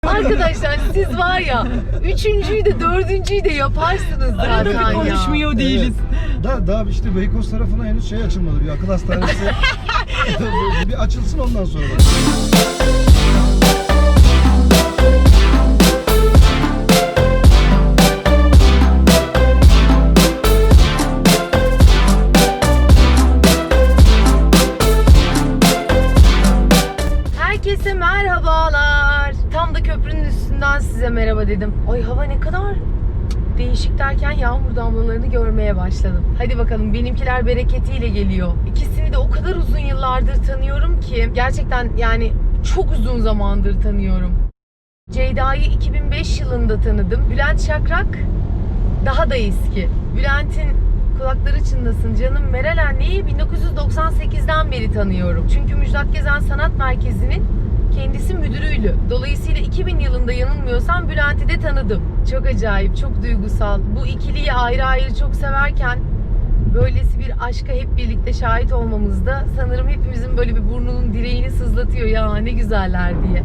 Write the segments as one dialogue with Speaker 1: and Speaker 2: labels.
Speaker 1: Arkadaşlar siz var ya, üçüncüyü de dördüncüyü de yaparsınız zaten ya.
Speaker 2: Konuşmuyor değiliz.
Speaker 3: Daha işte Beykoz tarafına henüz şey açılmadı. Bir akıl hastanesi bir açılsın ondan sonra.
Speaker 1: Herkese merhabalar. Tam da köprünün üstünden size merhaba dedim. Ay hava ne kadar değişik derken yağmur damlalarını görmeye başladım. Hadi bakalım, benimkiler bereketiyle geliyor. İkisini de o kadar uzun yıllardır tanıyorum ki gerçekten yani çok uzun zamandır tanıyorum. Ceyda'yı 2005 yılında tanıdım. Bülent Şakrak daha da eski. Bülent'in kulakları çınlasın canım, Meral anneyi 1998'den beri tanıyorum. Çünkü Müjdat Gezen Sanat Merkezi'nin kendisi müdürüydü. Dolayısıyla 2000 yılında yanılmıyorsam Bülent'i de tanıdım. Çok acayip, çok duygusal. Bu ikiliyi ayrı ayrı çok severken böylesi bir aşka hep birlikte şahit olmamız da sanırım hepimizin böyle bir burnunun direğini sızlatıyor ya ne güzeller diye.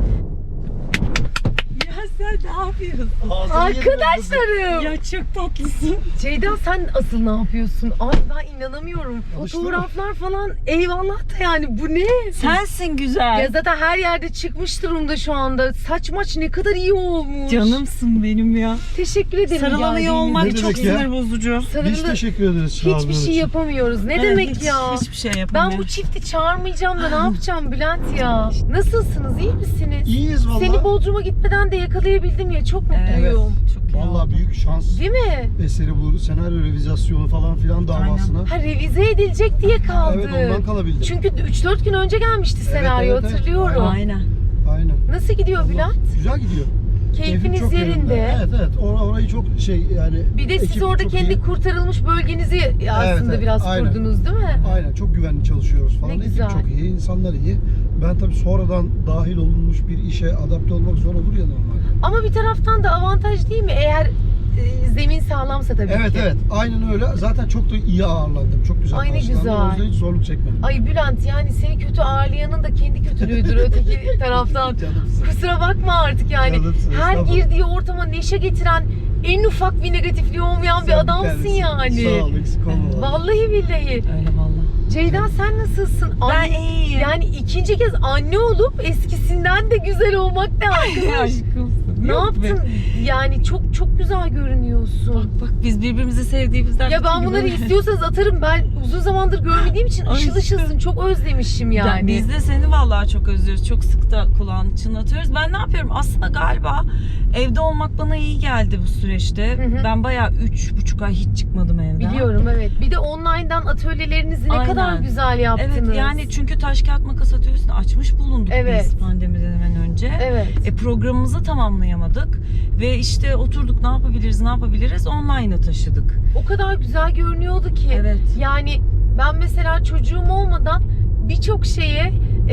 Speaker 2: Ya sen ne yapıyorsun?
Speaker 1: Arkadaşlarım!
Speaker 2: Ya çok tatlısın.
Speaker 1: Ceyda sen asıl ne yapıyorsun? Ay ben inanamıyorum.
Speaker 3: Alıştın
Speaker 1: Fotoğraflar falan eyvallah da yani bu ne?
Speaker 2: Sensin güzel.
Speaker 1: Ya zaten her yerde çıkmış durumda şu anda. Saç maç ne kadar iyi olmuş.
Speaker 2: Canımsın benim ya.
Speaker 1: Teşekkür ederim.
Speaker 2: Sarılamıyor
Speaker 1: geldiğiniz
Speaker 2: olmak
Speaker 3: Ne
Speaker 2: çok
Speaker 3: demek ya?
Speaker 2: sinir bozucu.
Speaker 3: Biz
Speaker 1: Sarılı
Speaker 3: teşekkür ederiz
Speaker 1: hiçbir
Speaker 3: çağırdığınız
Speaker 1: şey
Speaker 3: için.
Speaker 1: yapamıyoruz. Ne
Speaker 2: Evet,
Speaker 1: demek
Speaker 2: hiç,
Speaker 1: ya?
Speaker 2: Hiçbir şey
Speaker 1: Ben
Speaker 2: yapamıyorum.
Speaker 1: bu çifti çağırmayacağım da ne yapacağım Bülent ya? Nasılsınız? İyi misiniz?
Speaker 3: İyiyiz valla.
Speaker 1: Seni Bodrum'a gitmeden de yakalayabildim ya. Çok mutluyum.
Speaker 2: Evet, çok iyi
Speaker 3: Valla
Speaker 2: oldu.
Speaker 3: büyük şans
Speaker 1: Değil mi?
Speaker 3: eseri bu senaryo revizasyonu falan filan davasına.
Speaker 1: Ha revize edilecek diye kaldı.
Speaker 3: Evet, ondan kalabildim.
Speaker 1: Çünkü 3-4 gün önce gelmişti senaryo,
Speaker 3: evet, evet.
Speaker 1: hatırlıyorum.
Speaker 2: Aynen.
Speaker 3: Aynen.
Speaker 1: Nasıl gidiyor
Speaker 3: Vallahi
Speaker 1: Bülent?
Speaker 3: Güzel gidiyor. Keyfim
Speaker 1: Keyfiniz
Speaker 3: çok
Speaker 1: yerinde.
Speaker 3: Evet. Orayı çok şey yani.
Speaker 1: Bir de siz
Speaker 3: ekip
Speaker 1: orada
Speaker 3: çok
Speaker 1: kendi
Speaker 3: iyi.
Speaker 1: kurtarılmış bölgenizi aslında
Speaker 3: evet,
Speaker 1: biraz
Speaker 3: aynen.
Speaker 1: kurdunuz değil mi?
Speaker 3: Aynen, çok güvenli çalışıyoruz falan.
Speaker 1: Ne
Speaker 3: Ekip
Speaker 1: güzel.
Speaker 3: çok iyi, insanlar iyi. Ben tabii sonradan dahil olunmuş bir işe adapte olmak zor olur ya normal.
Speaker 1: Ama bir taraftan da avantaj değil mi? Eğer zemin sağlamsa tabii
Speaker 3: Evet
Speaker 1: ki.
Speaker 3: evet, aynen öyle. Zaten çok da iyi ağırlandım. Çok güzel
Speaker 1: Ay, ne
Speaker 3: karşılandım.
Speaker 1: güzel.
Speaker 3: O yüzden hiç zorluk çekmedim.
Speaker 1: Ay Bülent yani seni kötü ağırlayanın da kendi kötülüğüdür öteki taraftan.
Speaker 3: Canımsın.
Speaker 1: Kusura bakma artık yani.
Speaker 3: Canımsın,
Speaker 1: Her
Speaker 3: estağfurullah.
Speaker 1: girdiği ortama neşe getiren, en ufak bir negatifliği olmayan bir
Speaker 3: Sen
Speaker 1: adamsın
Speaker 3: tanesin.
Speaker 1: yani.
Speaker 3: Sağ ol, eksik olma.
Speaker 1: Vallahi billahi.
Speaker 2: Öyle valla.
Speaker 1: Ceyda sen nasılsın?
Speaker 2: Ben iyiyim.
Speaker 1: Yani ikinci kez anne olup eskisinden de güzel olmak ne arkadaş?
Speaker 2: Aşkımsın.
Speaker 1: Ne
Speaker 2: Yok be.
Speaker 1: yaptın? Yani çok güzel görünüyorsun.
Speaker 2: Bak biz birbirimizi sevdiğimizden.
Speaker 1: Ya ben bunları istiyorsanız atarım. Ben uzun zamandır görmediğim için
Speaker 2: Ay
Speaker 1: ışıl
Speaker 2: işte.
Speaker 1: ışılsın. Çok özlemişim yani.
Speaker 2: Biz de seni vallahi çok özlüyoruz. Çok sık da kulağını çınlatıyoruz. Ben ne yapıyorum? Aslında galiba evde olmak bana iyi geldi bu süreçte.
Speaker 1: Hı hı.
Speaker 2: Ben bayağı 3,5 ay hiç çıkmadım evden.
Speaker 1: Biliyorum evet. Bir de online'dan atölyelerinizi ne
Speaker 2: Aynen.
Speaker 1: kadar güzel yaptınız.
Speaker 2: Evet yani çünkü taş kağıt makas atıyorsun. Açmış bulunduk
Speaker 1: Evet.
Speaker 2: biz pandemiden hemen önce.
Speaker 1: Evet.
Speaker 2: Programımızı tamamlayamadık. Ve işte oturduk ne yapabiliriz? Online'a taşıdık.
Speaker 1: O kadar güzel görünüyordu ki.
Speaker 2: Evet.
Speaker 1: Yani ben mesela çocuğum olmadan birçok şeye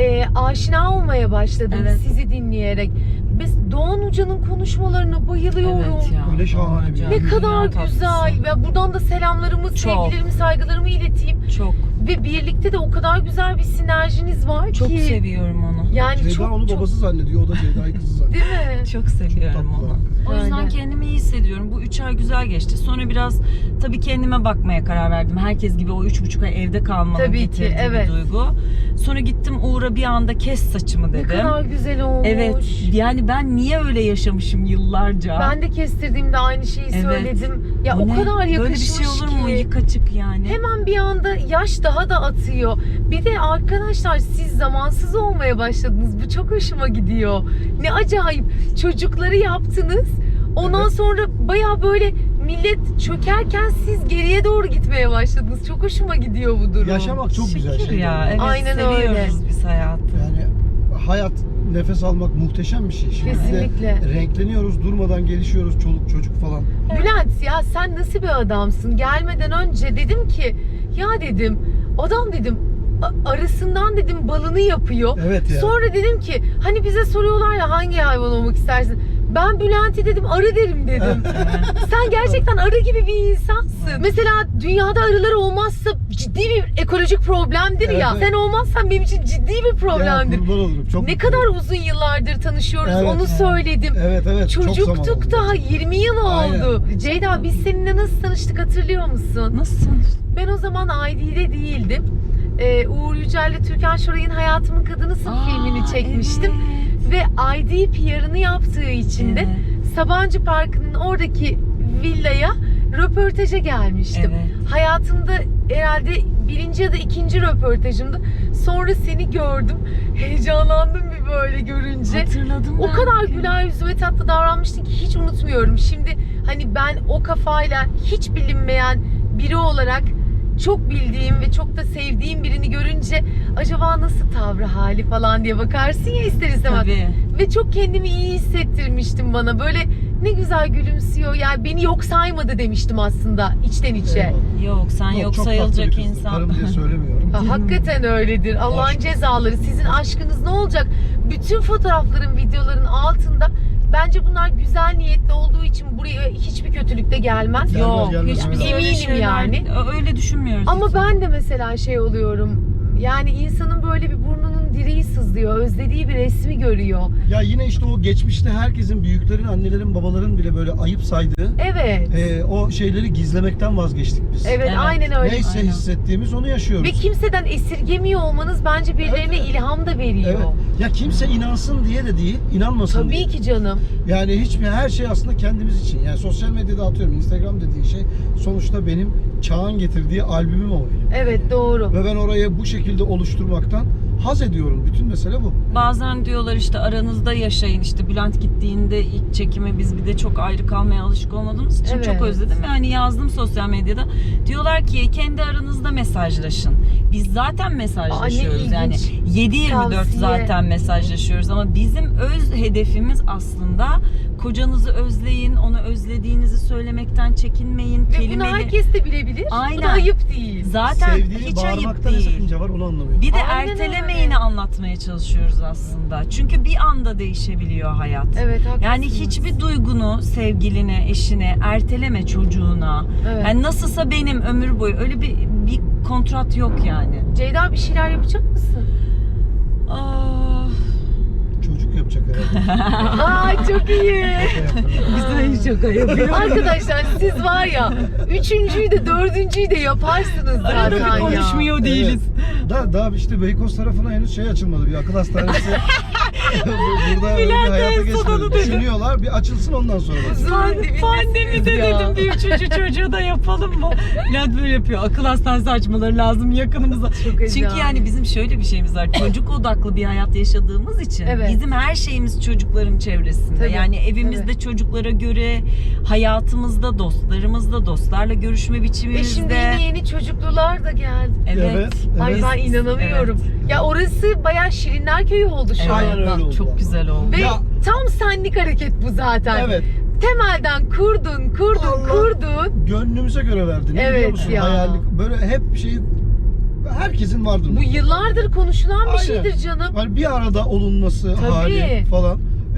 Speaker 1: aşina olmaya başladım
Speaker 2: Evet.
Speaker 1: sizi dinleyerek. Biz Doğan Hoca'nın konuşmalarına bayılıyorum.
Speaker 2: Evet ya.
Speaker 3: Öyle şahane bir
Speaker 2: Hocam,
Speaker 1: Ne
Speaker 3: yer.
Speaker 1: kadar
Speaker 2: dünya
Speaker 1: güzel.
Speaker 2: tatlısı.
Speaker 1: Ve buradan da selamlarımı,
Speaker 2: Çok.
Speaker 1: sevgilerimi, saygılarımı ileteyim.
Speaker 2: Çok.
Speaker 1: Ve birlikte de o kadar güzel bir sinerjiniz var
Speaker 2: Çok
Speaker 1: ki.
Speaker 2: seviyorum onu.
Speaker 1: Yani
Speaker 3: Ceyda
Speaker 1: çok
Speaker 3: onu
Speaker 1: çok
Speaker 3: babası zannediyor, o da Ceyda'yı kızı zannediyor.
Speaker 1: değil mi?
Speaker 2: Çok seviyorum
Speaker 3: Tatlılar
Speaker 2: onu.
Speaker 3: hakikaten.
Speaker 2: O yüzden
Speaker 1: Aynen.
Speaker 2: kendimi iyi hissediyorum. Bu 3 ay güzel geçti. Sonra biraz tabii kendime bakmaya karar verdim. Herkes gibi o 3,5 ay evde kalmanın
Speaker 1: Tabii ki,
Speaker 2: getirdiği
Speaker 1: evet.
Speaker 2: bir duygu. Sonra gittim Uğur'a bir anda kes saçımı
Speaker 1: Ne
Speaker 2: dedim.
Speaker 1: kadar güzel olmuş.
Speaker 2: Evet. Yani ben niye öyle yaşamışım yıllarca?
Speaker 1: Ben de kestirdiğimde aynı şeyi
Speaker 2: Evet.
Speaker 1: söyledim. Ya o
Speaker 2: Ne?
Speaker 1: kadar yakışmış
Speaker 2: Böyle bir şey olur mu?
Speaker 1: ki.
Speaker 2: Yıkaçık yani.
Speaker 1: Hemen bir anda yaş daha da atıyor. Bir de arkadaşlar siz zamansız olmaya başladınız. Bu çok hoşuma gidiyor. Ne acayip. Çocukları yaptınız. Ondan
Speaker 3: Evet.
Speaker 1: sonra baya böyle millet çökerken siz geriye doğru gitmeye başladınız. Çok hoşuma gidiyor bu durum.
Speaker 3: Yaşamak çok güzel
Speaker 2: Şükür
Speaker 3: şey.
Speaker 2: ya. Evet,
Speaker 1: Aynen
Speaker 2: seviyoruz
Speaker 1: öyle.
Speaker 2: biz hayatı.
Speaker 3: Yani hayat, nefes almak muhteşem bir şey. Şimdi bir de
Speaker 1: Kesinlikle.
Speaker 3: renkleniyoruz, durmadan gelişiyoruz, çoluk çocuk falan.
Speaker 1: Bülent ya sen nasıl bir adamsın? Gelmeden önce dedim ki ya dedim adam dedim arasından dedim balını yapıyor.
Speaker 3: Evet ya.
Speaker 1: Sonra dedim ki hani bize soruyorlar ya hangi hayvan olmak istersin? Ben Bülent'i dedim arı derim dedim. Sen gerçekten arı gibi bir insansın. Mesela dünyada arılar olmazsa ciddi bir ekolojik problemdir
Speaker 3: Evet,
Speaker 1: ya.
Speaker 3: evet.
Speaker 1: Sen olmazsan benim için ciddi bir problemdir.
Speaker 3: Ya, kurban olurum. Çok
Speaker 1: Ne
Speaker 3: mutluyum.
Speaker 1: kadar uzun yıllardır tanışıyoruz
Speaker 3: Evet,
Speaker 1: onu
Speaker 3: evet.
Speaker 1: söyledim.
Speaker 3: Evet, çok zaman
Speaker 1: Çocuktuk
Speaker 3: oldu.
Speaker 1: daha 20 yıl
Speaker 3: Aynen.
Speaker 1: oldu. Ceyda biz seninle nasıl tanıştık hatırlıyor musun?
Speaker 2: Nasıl tanıştın?
Speaker 1: Ben o zaman ID'de değildim. Uğur Yücel'le Türkan Şoray'ın Hayatımın Kadınısın filmini çekmiştim.
Speaker 2: Evet.
Speaker 1: Ve ID PR'ını yaptığı için de
Speaker 2: Evet.
Speaker 1: Sabancı Parkı'nın oradaki villaya röportaja gelmiştim.
Speaker 2: Evet.
Speaker 1: Hayatımda herhalde birinci ya da ikinci röportajımdı. Sonra seni gördüm. Heyecanlandım bir böyle görünce.
Speaker 2: Hatırladım
Speaker 1: O
Speaker 2: ben
Speaker 1: kadar
Speaker 2: bugün.
Speaker 1: güler yüzlü ve tatlı davranmıştın ki hiç unutmuyorum. Şimdi hani ben o kafayla hiç bilinmeyen biri olarak çok bildiğim ve çok da sevdiğim birini görünce acaba nasıl tavrı hali falan diye bakarsın ya ister istemez.
Speaker 2: Tabii.
Speaker 1: Ve çok kendimi iyi hissettirmiştim bana. Böyle ne güzel gülümsüyor. Yani beni yok saymadı demiştim aslında içten içe.
Speaker 3: Eyvallah.
Speaker 2: Yok sen yok
Speaker 3: çok tatlı
Speaker 2: sayılacak
Speaker 3: bir kızdır.
Speaker 2: insan.
Speaker 3: Karım diye söylemiyorum.
Speaker 1: Ha, hakikaten öyledir. Allah'ın
Speaker 3: Aşk.
Speaker 1: cezaları. Sizin aşkınız ne olacak? Bütün fotoğrafların, videoların altında bence bunlar güzel niyetli olduğu için buraya hiçbir kötülük de gelmez.
Speaker 2: Yok
Speaker 3: Gelmez,
Speaker 2: hiç biz
Speaker 3: gelmez.
Speaker 2: öyle
Speaker 1: Eminim
Speaker 2: şeyler,
Speaker 1: yani.
Speaker 2: öyle düşünmüyoruz.
Speaker 1: Ama
Speaker 2: hiç.
Speaker 1: ben de mesela şey oluyorum. Yani insanın böyle bir burnunun direği sızlıyor. Özlediği bir resmi görüyor.
Speaker 3: Ya yine işte o geçmişte herkesin, büyüklerin, annelerin, babaların bile böyle ayıp saydığı
Speaker 1: Evet.
Speaker 3: o şeyleri gizlemekten vazgeçtik biz.
Speaker 1: Evet,
Speaker 2: Evet.
Speaker 1: aynen öyle.
Speaker 3: Neyse
Speaker 2: Aynen.
Speaker 3: hissettiğimiz onu yaşıyoruz.
Speaker 1: Ve kimseden esirgemiyor olmanız bence birilerine
Speaker 3: Evet.
Speaker 1: ilham da veriyor.
Speaker 3: Evet. Ya kimse inansın diye de değil, inanmasın diye.
Speaker 1: Tabii ki canım.
Speaker 3: Yani her şey aslında kendimiz için. Yani sosyal medyada atıyorum, Instagram dediğin şey sonuçta benim çağın getirdiği albümüm o benim.
Speaker 1: Evet, doğru.
Speaker 3: Ve ben orayı bu şekilde oluşturmaktan haz ediyorum. Bütün mesele bu.
Speaker 2: Bazen diyorlar işte aranızda yaşayın, işte Bülent gittiğinde ilk çekime biz bir de çok ayrı kalmaya alışık olmadığımız için
Speaker 1: Evet.
Speaker 2: çok özledim. Yani yazdım sosyal medyada. Diyorlar ki kendi aranızda mesajlaşın. Biz zaten mesajlaşıyoruz.
Speaker 1: ne
Speaker 2: Yani
Speaker 1: ilginç
Speaker 2: 7/24
Speaker 1: tavsiye.
Speaker 2: zaten mesajlaşıyoruz ama bizim öz hedefimiz aslında kocanızı özleyin, onu özlediğinizi söylemekten çekinmeyin.
Speaker 1: Ve bunu herkes de bilebilir. Bu
Speaker 2: Aynen.
Speaker 1: da ayıp değil.
Speaker 2: Zaten
Speaker 3: Sevdiğini
Speaker 2: hiç ayıp
Speaker 3: bağırmakta ne
Speaker 2: değil.
Speaker 3: sakınca var onu anlamıyorum.
Speaker 2: Bir de
Speaker 1: Aynen
Speaker 2: ertelemeyini
Speaker 1: öyle.
Speaker 2: anlatmaya çalışıyoruz aslında. Çünkü bir anda değişebiliyor hayat.
Speaker 1: Evet, haklısınız.
Speaker 2: Yani hiçbir duygunu sevgiline, eşine erteleme, çocuğuna.
Speaker 1: Evet.
Speaker 2: Yani nasılsa benim ömür boyu öyle bir kontrat yok yani.
Speaker 1: Ceyda bir şeyler yapacak mısın?
Speaker 2: Ah,
Speaker 3: Çocuk yapacak herhalde.
Speaker 1: Ay çok iyi.
Speaker 2: güzel şaka yapıyor.
Speaker 1: Arkadaşlar siz var ya üçüncüyü de dördüncüyü de yaparsınız zaten
Speaker 2: Arada bir
Speaker 1: ya.
Speaker 2: konuşmuyor değiliz.
Speaker 3: Daha işte Beykoz tarafına henüz şey açılmadı. Bir akıl hastanesi. Burada öyle bir
Speaker 2: Bülent
Speaker 3: hayata
Speaker 2: en son onu
Speaker 3: geçmedi.
Speaker 2: dedi.
Speaker 3: Düşünüyorlar. Bir açılsın ondan sonra.
Speaker 2: Pandemide
Speaker 1: ya.
Speaker 2: dedim bir üçüncü çocuğu da yapalım mı? Bülent böyle yapıyor. Akıl hastanesi açmaları lazım yakınımıza.
Speaker 1: Çok
Speaker 2: Çünkü
Speaker 1: acayip.
Speaker 2: yani bizim şöyle bir şeyimiz var. Çocuk odaklı bir hayat yaşadığımız için
Speaker 1: Evet.
Speaker 2: bizim her şeyimiz çocukların çevresinde.
Speaker 1: Tabii,
Speaker 2: Yani evimizde
Speaker 1: evet.
Speaker 2: çocuklara göre, hayatımızda, dostlarımızda, dostlarla görüşme biçimimizde.
Speaker 1: Şimdi yeni çocuklular da geldi.
Speaker 2: Evet.
Speaker 1: Ay
Speaker 2: Biz-
Speaker 1: ben inanamıyorum.
Speaker 2: Evet.
Speaker 1: Ya orası bayağı Şirinler Köyü oldu şu
Speaker 3: Aynen
Speaker 1: anda.
Speaker 3: öyle oldu.
Speaker 2: Çok güzel oldu.
Speaker 1: Ve
Speaker 3: Ya.
Speaker 1: tam senlik hareket bu zaten.
Speaker 3: Evet.
Speaker 1: Temelden kurdun.
Speaker 3: Allah. Gönlümüze göre verdin.
Speaker 1: Evet
Speaker 3: Biliyor musun?
Speaker 1: ya.
Speaker 3: Hayallik. Böyle hep şey herkesin vardır.
Speaker 1: Bu yıllardır konuşulan bir
Speaker 3: Aynen.
Speaker 1: şeydir canım.
Speaker 3: Yani bir arada olunması
Speaker 1: Tabii.
Speaker 3: hali falan.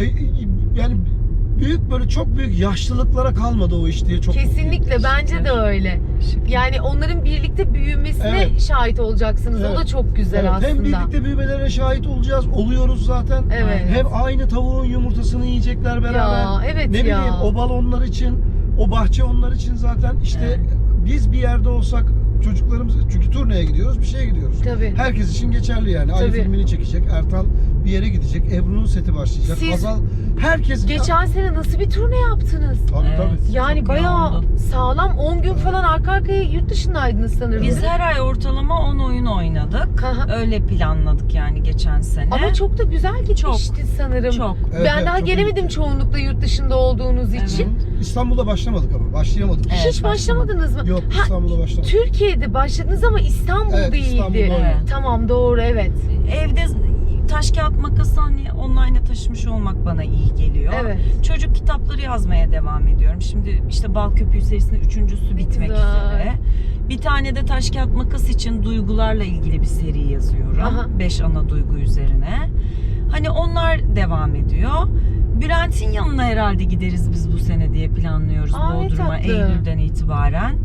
Speaker 3: Yani büyük böyle çok büyük yaşlılıklara kalmadı o iş diye çok
Speaker 1: Kesinlikle
Speaker 3: mutluyum.
Speaker 1: bence de öyle. Yani onların birlikte büyümesine
Speaker 3: Evet.
Speaker 1: şahit olacaksınız. O
Speaker 3: Evet.
Speaker 1: da çok güzel
Speaker 3: Evet,
Speaker 1: aslında.
Speaker 3: hem birlikte büyümelerine şahit olacağız. Oluyoruz zaten.
Speaker 1: Evet.
Speaker 3: Hem aynı tavuğun yumurtasını yiyecekler beraber.
Speaker 1: Ya, evet
Speaker 3: ne
Speaker 1: ya.
Speaker 3: bileyim o bal onlar için, o bahçe onlar için zaten. İşte biz bir yerde olsak çocuklarımız, çünkü turneye gidiyoruz, bir şeye gidiyoruz.
Speaker 1: Tabii.
Speaker 3: Herkes için geçerli yani. Ali
Speaker 1: Tabii.
Speaker 3: filmini çekecek, Ertan bir yere gidecek, Ebru'nun seti başlayacak.
Speaker 1: Siz
Speaker 3: Hazal, herkes...
Speaker 1: Geçen sene nasıl bir turne yaptınız?
Speaker 3: Tabii
Speaker 2: Evet.
Speaker 3: tabii.
Speaker 1: Yani
Speaker 2: Çok
Speaker 1: bayağı
Speaker 2: yoğundu.
Speaker 1: sağlam 10 gün falan arka arkaya yurt dışındaydınız sanırım.
Speaker 2: Biz her ay ortalama 10 oyun oynadık.
Speaker 1: Aha.
Speaker 2: Öyle planladık yani geçen sene.
Speaker 1: Ama çok da güzel gitmişti sanırım.
Speaker 2: Çok.
Speaker 3: Evet,
Speaker 1: Ben
Speaker 3: evet,
Speaker 1: daha
Speaker 3: çok
Speaker 1: gelemedim
Speaker 3: iyi.
Speaker 1: çoğunlukla yurt dışında olduğunuz
Speaker 2: Evet.
Speaker 1: için.
Speaker 3: İstanbul'da başlamadık ama, başlayamadık.
Speaker 2: Evet,
Speaker 1: Hiç başlamadınız mı?
Speaker 3: Yok,
Speaker 1: Ha,
Speaker 3: İstanbul'da başlamadık.
Speaker 1: Türkiye'de başladınız ama İstanbul
Speaker 3: Evet,
Speaker 1: değildi.
Speaker 3: İstanbul'da
Speaker 2: Evet.
Speaker 1: Tamam doğru evet.
Speaker 2: Evde taş kağıt makası hani online'a taşımış olmak bana iyi geliyor.
Speaker 1: Evet.
Speaker 2: Çocuk kitapları yazmaya devam ediyorum. Şimdi işte Bal Köpüğü serisinin 3.'sü bitmek
Speaker 1: güzel.
Speaker 2: üzere. Bir tane de taş kağıt makas için duygularla ilgili bir seri yazıyorum.
Speaker 1: Aha.
Speaker 2: 5 ana duygu üzerine. Hani onlar devam ediyor. Bülent'in yanına herhalde gideriz biz bu sene diye planlıyoruz.
Speaker 1: Aa, ne
Speaker 2: Bodrum'a
Speaker 1: tatlı.
Speaker 2: Eylül'den itibaren.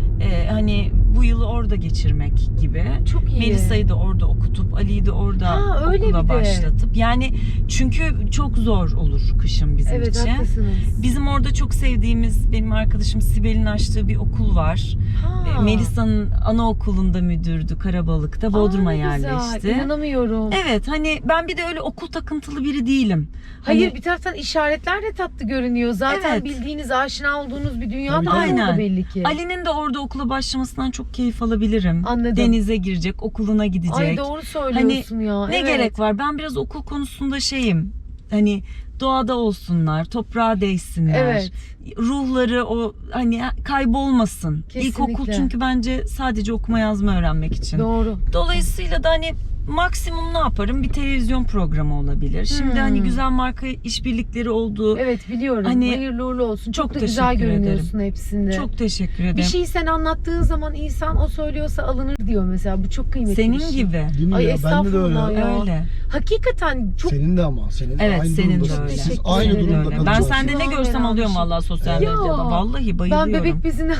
Speaker 2: Hani bu yılı orada geçirmek gibi.
Speaker 1: Çok iyi.
Speaker 2: Melisa'yı da orada okutup Ali'yi de orada
Speaker 1: Ha, öyle
Speaker 2: okula
Speaker 1: bir de.
Speaker 2: başlatıp. Yani çünkü çok zor olur kışın bizim
Speaker 1: Evet,
Speaker 2: için.
Speaker 1: haklısınız.
Speaker 2: Bizim orada çok sevdiğimiz benim arkadaşım Sibel'in açtığı bir okul var.
Speaker 1: Ha.
Speaker 2: Melisa'nın anaokulunda müdürdü Karabalık'ta. Bodrum'a
Speaker 1: Aa, ne güzel.
Speaker 2: yerleşti.
Speaker 1: İnanamıyorum.
Speaker 2: Evet, hani ben bir de öyle okul takıntılı biri değilim.
Speaker 1: Hayır,
Speaker 2: Hani-
Speaker 1: bir taraftan işaretler de tatlı görünüyor. Zaten
Speaker 2: Evet.
Speaker 1: bildiğiniz, aşina olduğunuz bir dünya
Speaker 3: Tabii,
Speaker 1: da
Speaker 3: tabii.
Speaker 1: orada
Speaker 2: Aynen.
Speaker 1: belli ki.
Speaker 2: Ali'nin de orada okula başlamasından çok keyif alabilirim.
Speaker 1: Anladım.
Speaker 2: Denize girecek, okuluna gidecek.
Speaker 1: Ay, doğru söylüyorsun ya.
Speaker 2: Ne
Speaker 1: Evet.
Speaker 2: gerek var? Ben biraz okul konusunda şeyim. Hani doğada olsunlar, toprağa değsinler.
Speaker 1: Evet.
Speaker 2: Ruhları o hani kaybolmasın.
Speaker 1: Kesinlikle.
Speaker 2: İlkokul çünkü bence sadece okuma yazma öğrenmek için.
Speaker 1: Doğru.
Speaker 2: Dolayısıyla da hani maksimum ne yaparım? Bir televizyon programı olabilir. Şimdi hani güzel marka işbirlikleri oldu.
Speaker 1: Evet, biliyorum.
Speaker 2: Hani-
Speaker 1: Hayırlı uğurlu olsun. Çok,
Speaker 2: Çok
Speaker 1: da güzel
Speaker 2: teşekkür
Speaker 1: görünüyorsun hepsinde.
Speaker 2: Çok teşekkür ederim.
Speaker 1: bir şeyi sen anlattığın zaman insan o söylüyorsa alınır diyor mesela. Bu çok kıymetli
Speaker 2: Senin
Speaker 1: bir şey.
Speaker 2: gibi.
Speaker 3: Değil mi
Speaker 1: Ay,
Speaker 3: ya? Bende de öyle.
Speaker 1: estağfurullah ya.
Speaker 2: Öyle.
Speaker 1: Hakikaten çok
Speaker 3: Senin de ama. Senin de
Speaker 2: Evet,
Speaker 3: aynı
Speaker 2: senin de
Speaker 3: durumdasın.
Speaker 2: öyle.
Speaker 3: Siz
Speaker 1: Teşekkür
Speaker 3: aynı
Speaker 1: ederim.
Speaker 3: durumda
Speaker 2: Öyle. Ben
Speaker 3: kalacaksınız.
Speaker 2: sende ne görsem alıyorum vallahi sosyal
Speaker 1: Ya.
Speaker 2: medyada. Vallahi bayılıyorum.
Speaker 1: ben bebek bezini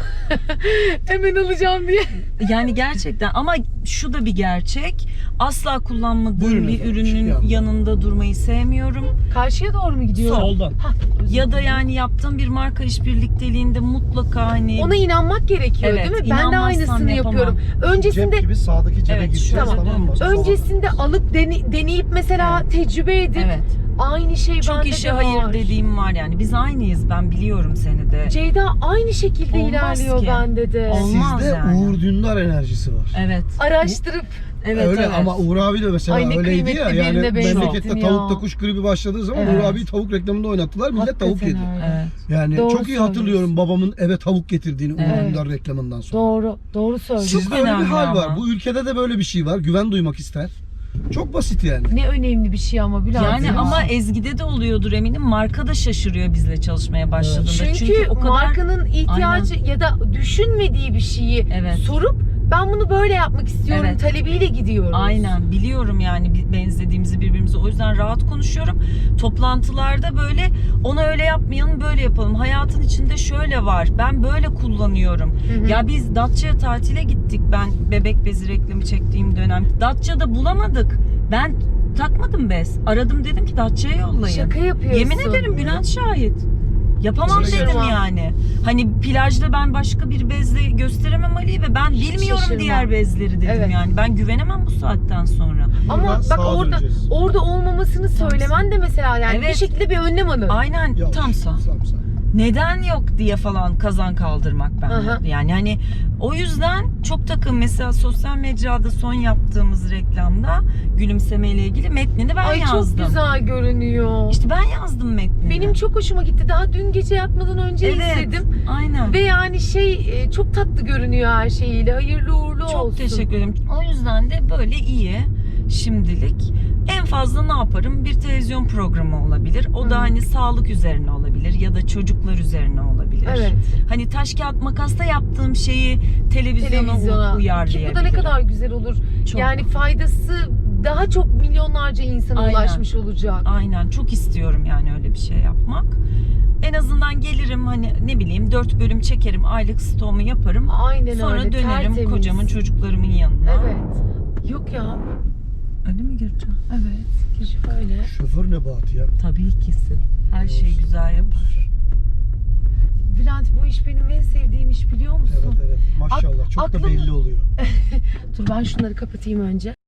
Speaker 1: hemen alacağım diye.
Speaker 2: Yani gerçekten ama şu da bir gerçek. Asla kullanmadığım
Speaker 3: Buyurun
Speaker 2: bir
Speaker 3: efendim,
Speaker 2: ürünün
Speaker 3: şimdi anladım.
Speaker 2: yanında durmayı sevmiyorum.
Speaker 1: Karşıya doğru mu gidiyor?
Speaker 3: Soldan.
Speaker 1: Hah, özür
Speaker 2: Ya da
Speaker 1: dilerim.
Speaker 2: yani yaptığım bir marka işbirlikteliğinde mutlaka hani
Speaker 1: Ona inanmak gerekiyor,
Speaker 2: Evet,
Speaker 1: değil mi? Ben de
Speaker 2: inanmazsam
Speaker 1: aynısını
Speaker 2: yapamam.
Speaker 1: yapıyorum. Öncesinde
Speaker 3: Cep gibi sağdaki cebe
Speaker 2: Evet,
Speaker 3: gireceğiz,
Speaker 2: şöyle
Speaker 3: tamam mı?
Speaker 1: öncesinde alıp deneyip mesela tecrübe edip
Speaker 2: evet.
Speaker 1: aynı şey
Speaker 2: Çok
Speaker 1: bende
Speaker 2: işe
Speaker 1: de
Speaker 2: hayır
Speaker 1: var.
Speaker 2: dediğim var yani. Biz aynıyız. Ben biliyorum seni de.
Speaker 1: Ceyda aynı şekilde
Speaker 2: Olmaz
Speaker 1: ilerliyor
Speaker 2: ki.
Speaker 1: bende de.
Speaker 2: Olmaz
Speaker 3: Sizde
Speaker 2: yani.
Speaker 3: Uğur Dündar enerjisi var.
Speaker 2: Evet.
Speaker 1: Araştırıp
Speaker 2: Evet,
Speaker 3: Öyle
Speaker 2: evet.
Speaker 3: ama Uğur abi de mesela
Speaker 1: Ay, ne
Speaker 3: öyleydi ya.
Speaker 1: kıymetli
Speaker 3: Yani
Speaker 1: birine benzettin
Speaker 3: memlekette
Speaker 1: ya.
Speaker 3: tavukta kuş gribi başladığı zaman
Speaker 1: Evet.
Speaker 3: Uğur abiyi tavuk reklamında oynattılar. Millet tavuk
Speaker 1: hakikaten
Speaker 3: yedi.
Speaker 1: öyle.
Speaker 2: Evet.
Speaker 3: Yani
Speaker 1: Doğru
Speaker 3: çok iyi hatırlıyorum
Speaker 1: söylüyorsun.
Speaker 3: babamın eve tavuk getirdiğini Uğur
Speaker 2: Evet.
Speaker 3: Dündar reklamından sonra.
Speaker 1: Doğru söylüyorsun.
Speaker 3: Sizde öyle bir
Speaker 2: önemli
Speaker 3: hal var.
Speaker 2: ama.
Speaker 3: Bu ülkede de böyle bir şey var. Güven duymak ister. Çok basit yani.
Speaker 1: Ne önemli bir şey ama Bülent.
Speaker 2: Yani
Speaker 1: ya.
Speaker 2: ama Ezgi'de de oluyordur eminim. Marka da şaşırıyor bizle çalışmaya başladığında.
Speaker 1: çünkü
Speaker 2: o kadar
Speaker 1: markanın ihtiyacı ya da düşünmediği bir şeyi
Speaker 2: Evet.
Speaker 1: sorup ben bunu böyle yapmak istiyorum
Speaker 2: Evet.
Speaker 1: talebiyle gidiyoruz.
Speaker 2: aynen biliyorum yani benzediğimizi birbirimize. O yüzden rahat konuşuyorum. Toplantılarda böyle onu öyle yapmayalım, böyle yapalım. Hayatın içinde şöyle var. Ben böyle kullanıyorum.
Speaker 1: Hı hı.
Speaker 2: Ya biz Datça'ya tatile gittik. Ben bebek bezi reklamı çektiğim dönem. Datça'da bulamadık. Ben takmadım bez. Aradım, dedim ki Datça'ya yollayın.
Speaker 1: Şaka yapıyorsun.
Speaker 2: Yemin ederim Bülent şahit. Yapamam
Speaker 3: Şaşırmam.
Speaker 2: dedim yani. Hani plajda ben başka bir bezle gösteremem Ali'yi ve ben bilmiyorum
Speaker 1: şaşırmam.
Speaker 2: diğer bezleri dedim
Speaker 1: Evet.
Speaker 2: yani. Ben güvenemem bu saatten sonra.
Speaker 1: Ama
Speaker 3: Buradan
Speaker 1: bak
Speaker 3: sağa
Speaker 1: orada
Speaker 3: döneceğiz.
Speaker 1: olmamasını söylemen de mesela yani bir
Speaker 2: Evet.
Speaker 1: şekilde bir önlem alın.
Speaker 2: Aynen
Speaker 3: Yavaş,
Speaker 2: tam sağ.
Speaker 3: sağ.
Speaker 2: Neden yok diye falan kazan kaldırmak ben.
Speaker 1: Aha.
Speaker 2: Yani hani o yüzden çok takım mesela sosyal mecrada son yaptığımız reklamda gülümsemeyle ilgili metnini ben
Speaker 1: Ay
Speaker 2: yazdım.
Speaker 1: çok güzel görünüyor.
Speaker 2: İşte ben yazdım metnini.
Speaker 1: Benim çok hoşuma gitti. Daha dün gece yatmadan önce
Speaker 2: Evet.
Speaker 1: izledim.
Speaker 2: Aynen.
Speaker 1: Ve yani çok tatlı görünüyor her şeyiyle. Hayırlı uğurlu
Speaker 2: Çok
Speaker 1: olsun.
Speaker 2: teşekkür ederim. O yüzden de böyle iyi şimdilik. En fazla ne yaparım? Bir televizyon programı olabilir. O da hani sağlık üzerine olabilir ya da çocuklar üzerine olabilir.
Speaker 1: Evet.
Speaker 2: Hani taş kağıt makasla yaptığım şeyi televizyona
Speaker 1: Ki
Speaker 2: uyarlayabilirim.
Speaker 1: bu da ne kadar güzel olur.
Speaker 2: Çok.
Speaker 1: Yani faydası daha çok milyonlarca insana
Speaker 2: Aynen.
Speaker 1: ulaşmış olacak.
Speaker 2: Aynen, çok istiyorum yani öyle bir şey yapmak. En azından gelirim hani ne bileyim 4 bölüm çekerim, aylık stoğumu yaparım.
Speaker 1: Aynen
Speaker 2: Sonra
Speaker 1: öyle.
Speaker 2: dönerim
Speaker 1: tertemiz.
Speaker 2: kocamın, çocuklarımın yanına.
Speaker 1: Evet. Yok ya.
Speaker 2: Öyle mi gireceğim?
Speaker 1: Evet. Öyle.
Speaker 3: Şoför Nebati ya.
Speaker 2: Tabii ikisi. Her şeyi güzel yapar.
Speaker 1: Bülent, bu iş benim en sevdiğim iş, biliyor musun?
Speaker 3: Evet evet. Maşallah. Çok da
Speaker 1: aklım-
Speaker 3: belli oluyor.
Speaker 1: Dur ben şunları kapatayım önce.